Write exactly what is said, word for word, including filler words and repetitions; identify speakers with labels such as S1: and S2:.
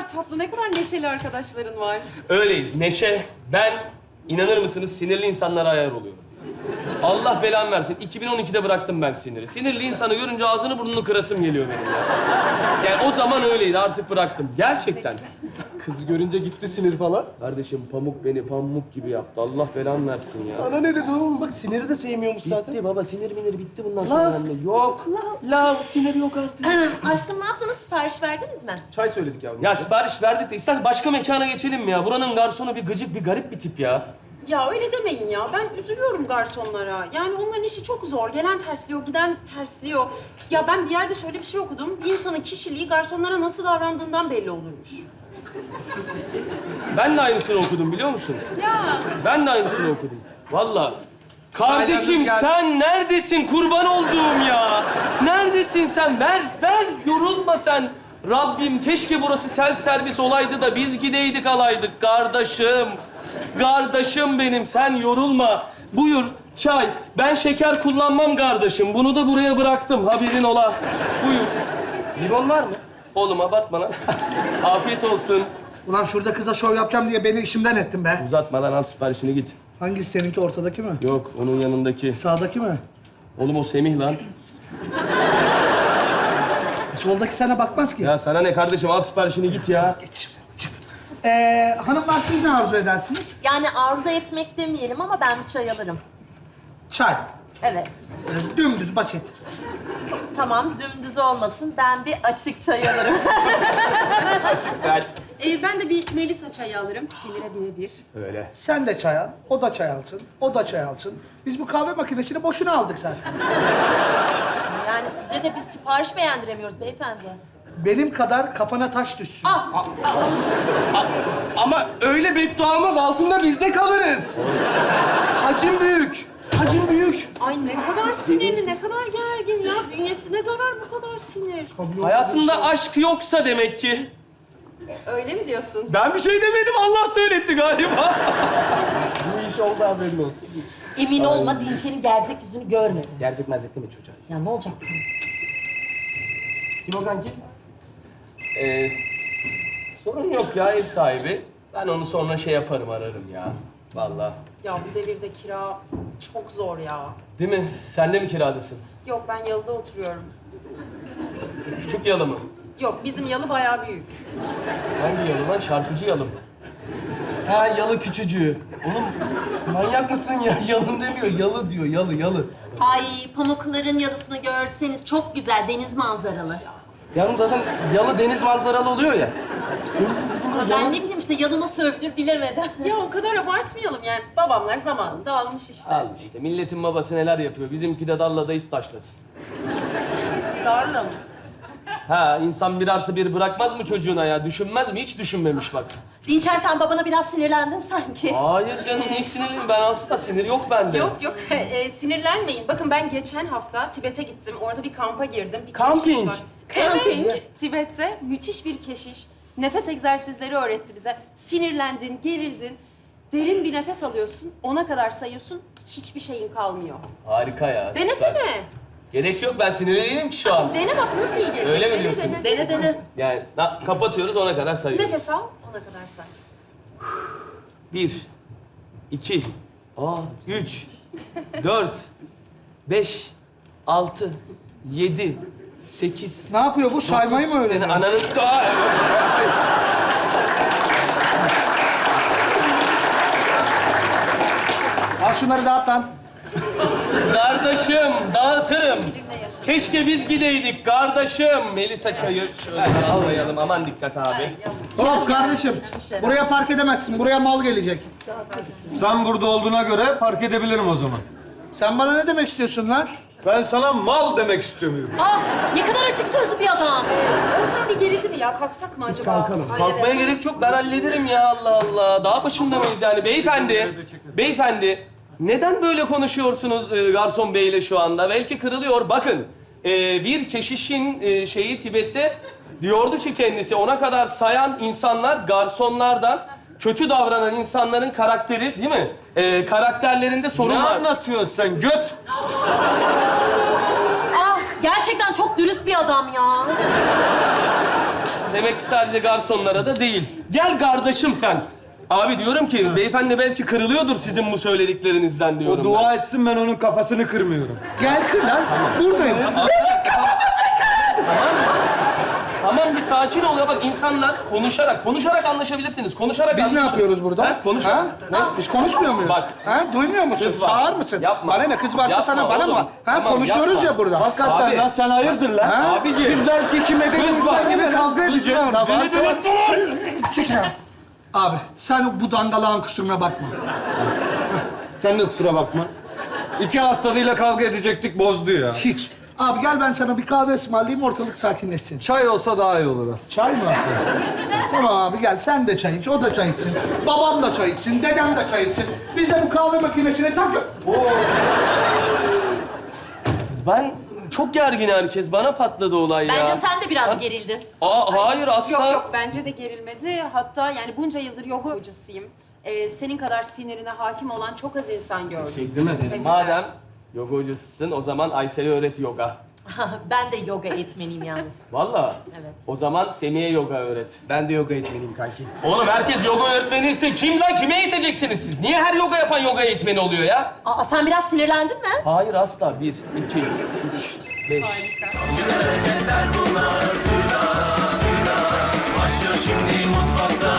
S1: kadar tatlı, ne kadar neşeli arkadaşların var.
S2: Öyleyiz. Neşe, ben inanır mısınız sinirli insanlara ayar oluyorum. Allah belamı versin. iki bin on ikide bıraktım ben siniri. Sinirli insanı görünce ağzını burnunu kırasım geliyor benim ya. Yani o zaman öyleydi, artık bıraktım. Gerçekten.
S3: Kızı görünce gitti sinir falan.
S2: Kardeşim pamuk beni pamuk gibi yaptı. Allah belamı versin ya.
S3: Sana ne dedi oğlum? Bak siniri de sevmiyormuş zaten.
S2: Bitti baba, sinir minir bitti bundan sonra.
S3: Laf.
S2: Anne. Yok. Laf. Sinir yok artık.
S4: Aşkım ne yaptınız? Sipariş verdiniz mi?
S3: Çay söyledik yavrum.
S2: Ya sipariş verdik de istersen başka mekana geçelim mi ya? Buranın garsonu bir gıcık, bir garip bir tip ya.
S1: Ya öyle demeyin ya. Ben üzülüyorum garsonlara. Yani onların işi çok zor. Gelen tersliyor, giden tersliyor. Ya ben bir yerde şöyle bir şey okudum. Bir insanın kişiliği garsonlara nasıl davrandığından belli olurmuş.
S2: Ben de aynısını okudum biliyor musun?
S1: Ya.
S2: Ben de aynısını okudum. Vallahi. Kardeşim sen neredesin kurban olduğum ya? Neredesin sen? Ver, ver. Yorulma sen. Rabbim keşke burası self servis olaydı da biz gideydik alaydık kardeşim. Kardeşim benim, sen yorulma. Buyur çay. Ben şeker kullanmam kardeşim. Bunu da buraya bıraktım. Haberin ola. Buyur.
S3: Limon var mı?
S2: Oğlum abartma lan. Afiyet olsun.
S5: Ulan şurada kıza şov yapacağım diye beni işimden ettin be.
S2: Uzatmadan al siparişini git.
S5: Hangisi seninki, ortadaki mi?
S2: Yok, onun yanındaki.
S5: Sağdaki mi?
S2: Oğlum o Semih lan.
S5: Soldaki sana bakmaz ki.
S2: Ya sana ne kardeşim, al siparişini git ya.
S5: Geç şuraya, çık. Ee, hanımlar siz ne arzu edersiniz?
S4: Yani arzu etmek demeyelim ama ben bir çay alırım.
S5: Çay.
S4: Evet.
S5: Ee, dümdüz, basit.
S4: Tamam, dümdüz olmasın. Ben bir açık çay alırım.
S2: Gel.
S1: Ee, ben de bir Melisa çayı alırım. Sinire birebir.
S2: Öyle.
S5: Sen de çay al, o da çay alsın, o da çay alsın. Biz bu kahve makinesini boşuna aldık zaten.
S4: Yani size de biz sipariş beğendiremiyoruz beyefendi.
S5: Benim kadar kafana taş düşsün.
S4: Ah!
S3: Ama öyle bedduamız altında biz de kalırız. Hacim büyük. Hacim büyük.
S1: Ay ne kadar sinirli, ne kadar gergin ya. Bünyesine zarar bu kadar sinir.
S2: Hayatında aşk yoksa demek ki.
S1: Öyle mi diyorsun?
S2: Ben bir şey demedim, Allah söyletti galiba.
S3: Bu iş oldu, haberin olsun.
S4: Emin olma, Dinçer'in gerzek yüzünü görmedim.
S3: Gerzek merzek deme çocuğa.
S4: Ya ne olacak?
S3: Kim o kanki?
S2: Ee, sorun yok ya ev sahibi. Ben onu sonra şey yaparım, ararım ya. Vallahi.
S1: Ya bu devirde kira çok zor ya.
S2: Değil mi? Sen de mi kiradasın?
S1: Yok ben yalıda oturuyorum.
S2: Küçük yalı mı?
S1: Yok bizim yalı bayağı büyük.
S2: Hangi yalı lan? Şarkıcı yalı mı?
S3: Ha yalı küçücüğü. Oğlum manyak mısın ya? Yalın demiyor, yalı diyor. Yalı, yalı.
S4: Ay pamukların yalısını görseniz çok güzel, deniz manzaralı.
S3: Yalnız zaten yalı deniz manzaralı oluyor ya. Denizin dibinde
S4: Ama ben ne bileyim işte yalı nasıl övülür bilemedim.
S1: Ya o kadar abartmayalım yani. Babamlar zamanında almış işte.
S2: Al işte, milletin babası neler yapıyor. Bizimki de dalla da it taşlasın.
S1: Darla mı?
S2: Ha, insan bir artı bir bırakmaz mı çocuğuna ya? Düşünmez mi? Hiç düşünmemiş bak.
S4: Dinçer sen babana biraz sinirlendin sanki.
S2: Hayır canım, niye sinirliyim? Ben aslında sinir yok bende.
S1: Yok yok e, sinirlenmeyin. Bakın ben geçen hafta Tibet'e gittim. Orada bir kampa girdim. Bir
S2: Camping.
S1: keşiş var.
S4: Camping.
S1: Evet. Tibet'te müthiş bir keşiş. Nefes egzersizleri öğretti bize. Sinirlendin, gerildin. Derin bir nefes alıyorsun. Ona kadar sayıyorsun. Hiçbir şeyin kalmıyor.
S2: Harika ya. süper.
S1: Denesene.
S2: Gerek yok, ben sinirli değilim ki şu an.
S1: Dene bak nasıl iyi gelecek.
S2: Öyle mi
S1: Dene,
S2: diyorsun?
S1: Dene,
S4: Dene dene.
S2: Yani na- kapatıyoruz, ona kadar sayıyoruz.
S1: Nefes al, ona kadar say.
S2: Bir, iki, aa, üç, dört, beş, altı, yedi, sekiz.
S5: Ne yapıyor bu? Saymayı mı
S2: Senin
S5: öğreniyor?
S2: ananın...
S5: Al şunları dağıt lan.
S2: Kardeşim, dağıtırım. Keşke biz gideydik kardeşim. Melisa çayı şöyle almayalım. Aman dikkat abi.
S5: Hop kardeşim. Buraya park edemezsin. Buraya mal gelecek.
S6: Sen burada olduğuna göre park edebilirim o zaman.
S5: Sen bana ne demek istiyorsun lan?
S6: Ben sana mal demek istiyorum.
S4: Ah ne kadar açık sözlü bir adam.
S1: Ortam bir gerildi mi ya? Kalksak mı acaba?
S3: kalkalım.
S1: Ay,
S2: Kalkmaya
S1: evet.
S2: gerek yok. Ben hallederim ya, Allah Allah. Daha başında mıyız yani? Beyefendi, beyefendi. Neden böyle konuşuyorsunuz e, garson beyle şu anda? Belki kırılıyor. Bakın, e, bir keşişin e, şeyi Tibet'te diyordu ki kendisi, ona kadar sayan insanlar garsonlardan kötü davranan insanların karakteri, değil mi? E, karakterlerinde sorun
S6: Ne
S2: var.
S6: anlatıyorsun sen göt?
S4: Ah gerçekten çok dürüst bir adam ya.
S2: Demek ki sadece garsonlara da değil. Gel kardeşim sen. Abi diyorum ki beyefendi belki kırılıyordur sizin bu söylediklerinizden diyorum.
S6: O dua etsin, ben onun kafasını kırmıyorum.
S5: Gel kır lan. Buradayım.
S2: Tamam bir sakin ol ya bak insanlar konuşarak, konuşarak anlaşabilirsiniz. Konuşarak
S5: Biz ne
S2: anlaş-
S5: yapıyoruz burada?
S2: Ha, konuş.
S5: Ha? Ne? Biz konuşmuyor muyuz?
S2: Bak.
S5: Ha? Duymuyor musun?
S2: Kız var.
S5: Sağır mısın?
S2: Yapma.
S5: Bana ne? Kız varsa
S2: Yapma
S5: sana bana mı
S2: oğlum.
S5: var? Ha?
S2: Tamam,
S5: Konuşuyoruz
S2: yapma.
S5: ya burada.
S6: Hakikaten
S2: Abi.
S6: lan sen hayırdır lan?
S5: Ha?
S2: Abiciğim.
S6: Biz belki kim ederiz
S2: Kız var.
S6: gibi kavga edeceğiz.
S2: Beni delirttiler.
S5: Abi sen bu dangalağın kusuruna bakma.
S6: Sen de kusura bakma. İki hastalığıyla kavga edecektik, bozdu ya.
S5: Hiç. Abi gel ben sana bir kahve ısmarlayayım ortalık sakinleşsin.
S6: Çay olsa daha iyi olur aslında.
S5: Çay mı? Tamam abi gel sen de çay iç, o da çay içsin. Babam da çay içsin, dedem de çay içsin. Biz de bu kahve makinesine tak...
S2: Ben çok gergin herkes. Bana patladı olay ya.
S4: Bence sen de biraz gerildin.
S2: Aa, hayır asla.
S1: Yok yok bence de gerilmedi. Hatta yani bunca yıldır yoga hocasıyım. Ee, senin kadar sinirine hakim olan çok az insan gördüm.
S2: Teşekkür ederim.
S1: Tebrikler.
S2: Madem yoga hocasısın o zaman Aysel'e öğret yoga.
S4: Ben de yoga eğitmeniyim yalnız.
S2: Vallahi.
S4: Evet.
S2: O zaman Semih'e yoga öğret.
S3: Ben de yoga eğitmeniyim kanki.
S2: Oğlum herkes yoga öğretmeniyse kim lan kime eğiteceksiniz siz? Niye her yoga yapan yoga eğitmeni oluyor ya?
S4: Aa, sen biraz sinirlendin mi?
S2: Hayır asla. Bir, iki, üç, beş.
S7: Başlıyor şimdi mutfakta